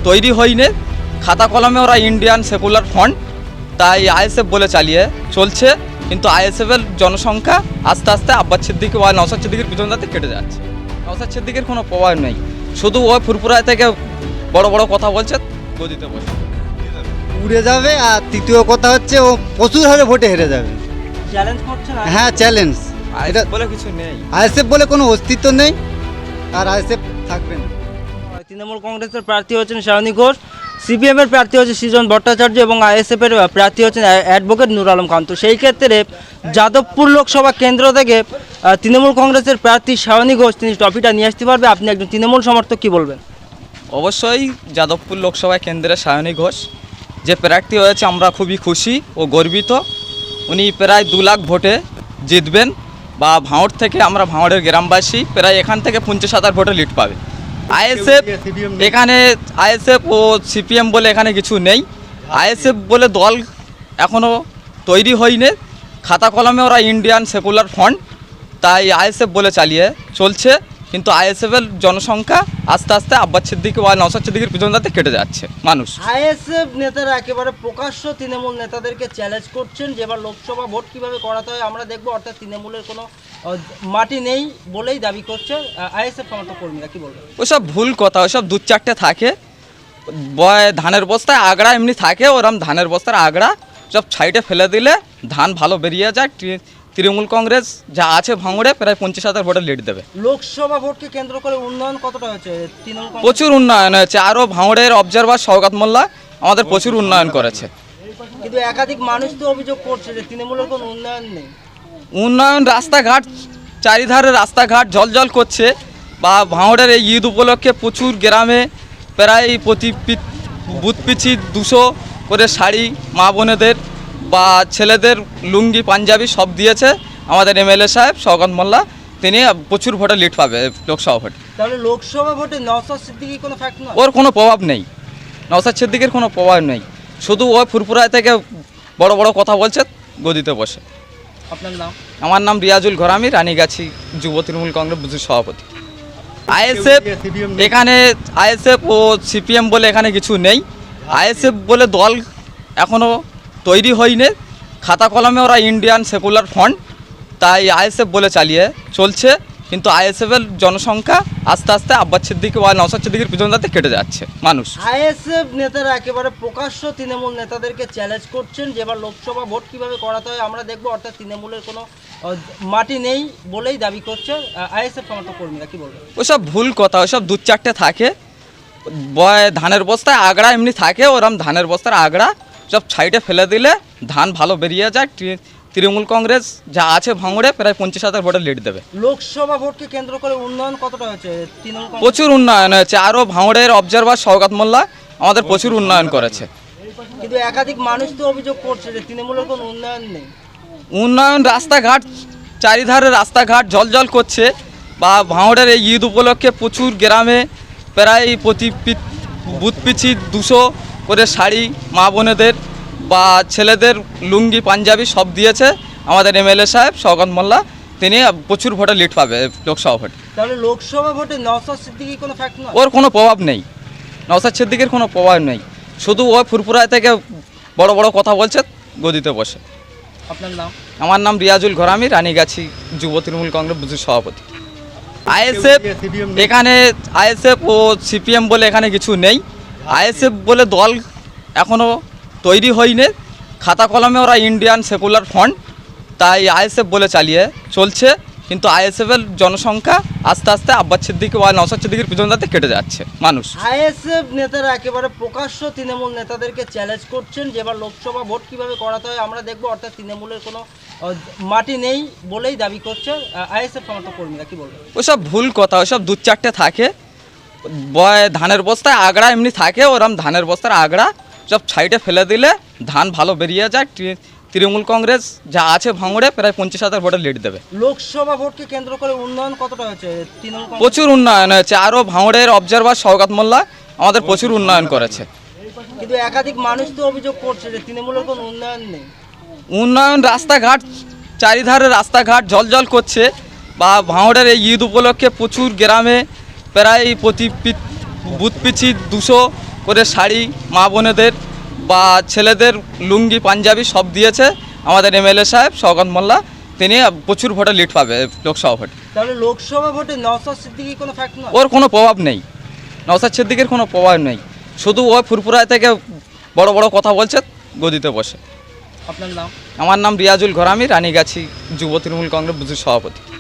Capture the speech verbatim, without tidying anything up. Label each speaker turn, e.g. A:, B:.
A: তৈরি হয়নি, খাতা কলমে ওরা ইন্ডিয়ান সেকুলার ফ্রন্ট তাই আইএসএফ বলে চালিয়ে চলছে, কিন্তু আইএসএফের জনসংখ্যা আস্তে আস্তে আব্বাস সিদ্দিকী বা নওশাদ সিদ্দিকীর পিছন তাতে কেটে যাচ্ছে। নওশাদ সিদ্দিকীর কোনো প্রভাব নেই, শুধু ওই ফুরফুরায় থেকে বড় বড় কথা বলছে, গদিতে বসে
B: উড়ে যাবে। আর তৃতীয় কথা হচ্ছে ও প্রচুর হারে ভোটে হেরে যাবে।
C: চ্যালেঞ্জ করছেন?
B: হ্যাঁ, চ্যালেঞ্জ। এটা
A: আইএসএফ বলে কিছু নেই,
B: আইএসএফ বলে কোনো অস্তিত্ব নেই, আর আইএসএফ থাকবে না।
C: তৃণমূল কংগ্রেসের প্রার্থী হচ্ছেন শাওনী ঘোষ, সিপিএমের প্রার্থী হচ্ছে সৃজন ভট্টাচার্য এবং আইএসএফের প্রার্থী হচ্ছেন অ্যাডভোকেট নূর আলম খান। তো সেই ক্ষেত্রে যাদবপুর লোকসভা কেন্দ্র থেকে আহ, তৃণমূল কংগ্রেসের প্রার্থী শাওনী ঘোষ তিনি ট্রফিটা নিয়ে আসতে পারবে। আপনি একজন তৃণমূল সমর্থক, কি বলবেন?
A: অবশ্যই যাদবপুর লোকসভা কেন্দ্রের শাওনী ঘোষ যে প্রার্থী হয়েছে আমরা খুবই খুশি ও গর্বিত। উনি প্রায় দু লাখ ভোটে জিতবেন, বা ভাঁড় থেকে আমরা ভাঁড়ের গ্রামবাসী প্রায় এখান থেকে পঞ্চাশ হাজার ভোটে লিড পাবে। আইএসএফ এখানে আইএসএফ ও সিপিএম বলে এখানে কিছু নেই, আইএসএফ বলে দল এখনও তৈরি হয়নি, খাতা কলমে ওরা ইন্ডিয়ান সেকুলার ফ্রন্ট তাই আইএসএফ বলে চালিয়ে চলছে, কিন্তু আইএসএফের জনসংখ্যা আস্তে আস্তে আব্বাস সিদ্দিকী বা নওশাদ সিদ্দিকীর পিছন তাতে কেটে যাচ্ছে মানুষ।
C: আইএসএফ নেতারা একেবারে প্রকাশ্য তৃণমূল নেতাদেরকে চ্যালেঞ্জ করছেন যে এবার লোকসভা ভোট কিভাবে করাতে হয় আমরা দেখবো, অর্থাৎ তৃণমূলের কোনো আহ, মাটি নেই বলেই দাবি করছে আইএসএফ সমর্থক কর্মীরা, কি বলবেন?
A: ওসব ভুল কথা, ওসব দু চারটে থাকে, বয় ধানের বস্তায় আগড়া এমনি থাকে, ওরম ধানের বস্তার আগড়া সব সাইডে ফেলে দিলে ধান ভালো বেরিয়ে যায়। তৃ- তৃণমূল কংগ্রেস যা আছে ভাঙড়ে প্রায় পঞ্চাশ হাজার ভোটে লিড দেবে।
C: লোকসভা ভোটকে কেন্দ্র করে উন্নয়ন কতটা হয়েছে তৃণমূল কংগ্রেস?
A: প্রচুর উন্নয়ন হয়েছে, আরও ভাঙড়ের অবজারভার শওকত মোল্লা আমাদের প্রচুর উন্নয়ন করেছে।
C: কিন্তু একাধিক মানুষ তো অভিযোগ করছে যে তৃণমূলের কোনো উন্নয়ন নেই।
A: উন্নয়ন, রাস্তাঘাট চারিধারে রাস্তাঘাট জলজল করছে, বা ভাঁড়ের এই ঈদ উপলক্ষে প্রচুর গ্রামে প্রায় প্রতি পি- বুথ পিছি দুশো করে শাড়ি মা বোনেদের বা ছেলেদের লুঙ্গি পাঞ্জাবি সব দিয়েছে আমাদের এমএলএ সাহেব শওকত মোল্লা, তিনি প্রচুর ভোটে লিড পাবে লোকসভা ভোটে।
C: তাহলে লোকসভা ভোটে নওশাদ সিদ্দিকী কোনো ফ্যাক্ট নয়?
A: ওর কোনো প্রভাব নেই, নওশাদ সিদ্দিকীর কোনো প্রভাব নেই, শুধু ওই ফুরফুরায় থেকে বড় বড় কথা বলছে, গদিতে বসে।
C: আপনার নাম?
A: আমার নাম রিয়াজুল ঘরামি, রানীগাছি যুব তৃণমূল কংগ্রেস বুথের সভাপতি। আইএসএফ এখানে আইএসএফ ও সিপিএম বলে এখানে কিছু নেই, আইএসএফ বলে দল এখনও তৈরি হয়নি, খাতা কলমে ওরা ইন্ডিয়ান সেকুলার ফ্রন্ট তাই আইএসএফ বলে চালিয়ে চলছে, কিন্তু আইএসএফের জনসংখ্যা আস্তে আস্তে আব্বাস সিদ্দিকী বা নওশাদ সিদ্দিকীর পিছন তাতে কেটে যাচ্ছে মানুষ।
C: আইএসএফ নেতারা একেবারে প্রকাশ্য তৃণমূল নেতাদেরকে চ্যালেঞ্জ করছেন যে এবার লোকসভা ভোট কিভাবে করাতে হয় আমরা দেখবো, অর্থাৎ তৃণমূলের কোনো আহ, মাটি নেই বলেই দাবি করছে আইএসএফ সমর্থক কর্মীরা, কি বলবেন?
A: ওসব ভুল কথা, ওসব দু চারটে থাকে, বয় ধানের বস্তায় আগড়া এমনি থাকে, ওরম ধানের বস্তার আগড়া সব সাইডে ফেলে দিলে ধান ভালো বেরিয়ে যায়। তৃ- তৃণমূল কংগ্রেস যা আছে ভাঙড়ে প্রায় পঞ্চাশ হাজার ভোটে লিড দেবে।
C: লোকসভা ভোটকে কেন্দ্র করে উন্নয়ন কতটা হয়েছে তৃণমূল কংগ্রেস?
A: প্রচুর উন্নয়ন হয়েছে, আরও ভাঙড়ের অবজারভার শওকত মোল্লা আমাদের প্রচুর উন্নয়ন করেছে।
C: কিন্তু একাধিক মানুষ তো অভিযোগ করছে যে তৃণমূলের কোনো উন্নয়ন নেই।
A: উন্নয়ন, রাস্তাঘাট চারিধারে রাস্তাঘাট জলজল করছে, বা ভাঁড়ের এই ঈদ উপলক্ষে প্রচুর গ্রামে প্রায় প্রতি পি- বুথ পিছি দুশো করে শাড়ি মা বোনেদের বা ছেলেদের লুঙ্গি পাঞ্জাবি সব দিয়েছে আমাদের এমএলএ সাহেব শওকত মোল্লা, তিনি প্রচুর ভোটে লিড পাবে লোকসভা ভোটে।
C: তাহলে লোকসভা ভোটে নওশাদ সিদ্দিকী কোনো ফ্যাক্ট নয়?
A: ওর কোনো প্রভাব নেই, নওশাদ সিদ্দিকীর কোনো প্রভাব নেই, শুধু ওই ফুরফুরায় থেকে বড় বড় কথা বলছে, গদিতে বসে।
C: আপনার নাম?
A: আমার নাম রিয়াজুল ঘরামি, রানীগাছি যুব তৃণমূল কংগ্রেস বুথের সভাপতি। আইএসএফ এখানে আইএসএফ ও সিপিএম বলে এখানে কিছু নেই, আইএসএফ বলে দল এখনও তৈরি হয়নি, খাতা কলমে ওরা ইন্ডিয়ান সেকুলার ফ্রন্ট তাই আইএসএফ বলে চালিয়ে চলছে, কিন্তু আইএসএফের জনসংখ্যা আস্তে আস্তে আব্বাস সিদ্দিকী বা নওশাদ সিদ্দিকীর পিছন তাতে কেটে যাচ্ছে মানুষ।
C: আইএসএফ নেতারা একেবারে প্রকাশ্য তৃণমূল নেতাদেরকে চ্যালেঞ্জ করছেন যে এবার লোকসভা ভোট কিভাবে করাতে হয় আমরা দেখবো, অর্থাৎ তৃণমূলের কোনো আহ, মাটি নেই বলেই দাবি করছে আইএসএফ সমর্থক কর্মীরা, কি বলবেন?
A: ওসব ভুল কথা, ওসব দু চারটে থাকে, বয় ধানের বস্তায় আগড়া এমনি থাকে, ওরম ধানের বস্তার আগড়া সব সাইডে ফেলে দিলে ধান ভালো বেরিয়ে যায়। তৃ- তৃণমূল কংগ্রেস যা আছে ভাঙড়ে প্রায় পঞ্চাশ হাজার ভোটে লিড দেবে।
C: লোকসভা ভোটকে কেন্দ্র করে উন্নয়ন কতটা হয়েছে তৃণমূল কংগ্রেস?
A: প্রচুর উন্নয়ন হয়েছে, আরও ভাঙড়ের অবজারভার শওকত মোল্লা আমাদের প্রচুর উন্নয়ন করেছে।
C: কিন্তু একাধিক মানুষ তো অভিযোগ করছে যে তৃণমূলের কোনো উন্নয়ন নেই।
A: উন্নয়ন, রাস্তাঘাট চারিধারে রাস্তাঘাট জলজল করছে, বা ভাঁড়ের এই ঈদ উপলক্ষে প্রচুর গ্রামে প্রায় প্রতি পি- বুথ পিছি দুশো করে শাড়ি মা বোনেদের বা ছেলেদের লুঙ্গি পাঞ্জাবি সব দিয়েছে আমাদের এমএলএ সাহেব শওকত মোল্লা। তিনি প্রচুর ভোটে লিড পাবে লোকসভা ভোটে।
C: তাহলে লোকসভা ভোটে নওশাদ সিদ্দিকী কোনো ফ্যাক্ট নয়?
A: ওর কোনো প্রভাব নেই, নওশাদ সিদ্দিকের কোনো প্রভাব নেই, শুধু ও ফুরফুরায় থেকে বড় বড় কথা বলছে গদিতে বসে।
C: আপনার নাম?
A: আমার নাম রিয়াজুল ঘরামি, রানীগাছি যুব তৃণমূল কংগ্রেস বুথের সভাপতি।